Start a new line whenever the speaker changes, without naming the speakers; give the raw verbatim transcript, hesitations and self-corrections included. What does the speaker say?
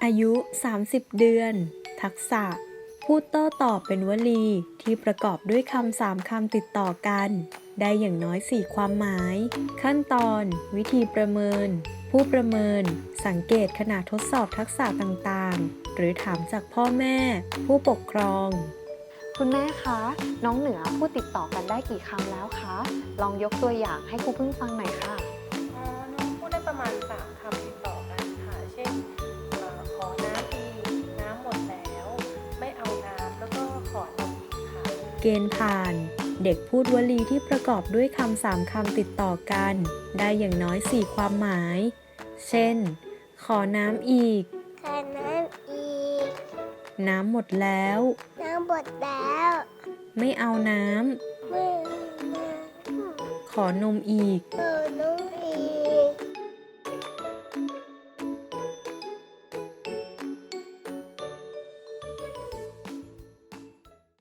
อายุ สามสิบ เดือน ทักษะ พูดโต้ตอบเป็นวลีที่ประกอบด้วยคำสามคำติดต่อกัน ได้อย่างน้อย สี่ ความหมาย ขั้นตอน วิธีประเมิน ผู้ประเมิน สังเกตขณะทดสอบทักษะต่างๆ หรือถามจากพ่อแม่ ผู้ปกครอง
คุณแม่คะ น้องเหนือพูดติดต่อกันได้กี่คำแล้วคะ ลองยกตัวอย่างให้ครูพึ่งฟังหน่อยค่ะ
อ๋อ น้องพูดได้ประมาณ สาม คำติดต่อกันค่ะ เช่นเอ่อขอน้ำอีก น้ำหมดแล้ว ไม่เอาน้ำ แล้วก็ขอนมอีกค่ะ
เกณฑ์ผ่าน เด็กพูดวลีที่ประกอบด้วยคำสามคำติดต่อกัน ได้อย่างน้อย สี่ ความหมาย เช่น ขอน้ำอีก
ขอน้ำอีก
น้ำหมดแล้ว
น้ำหมดแล้ว
ไม่เอาน้
เมื่อ
ำ ขอนมอีก
เออน้อง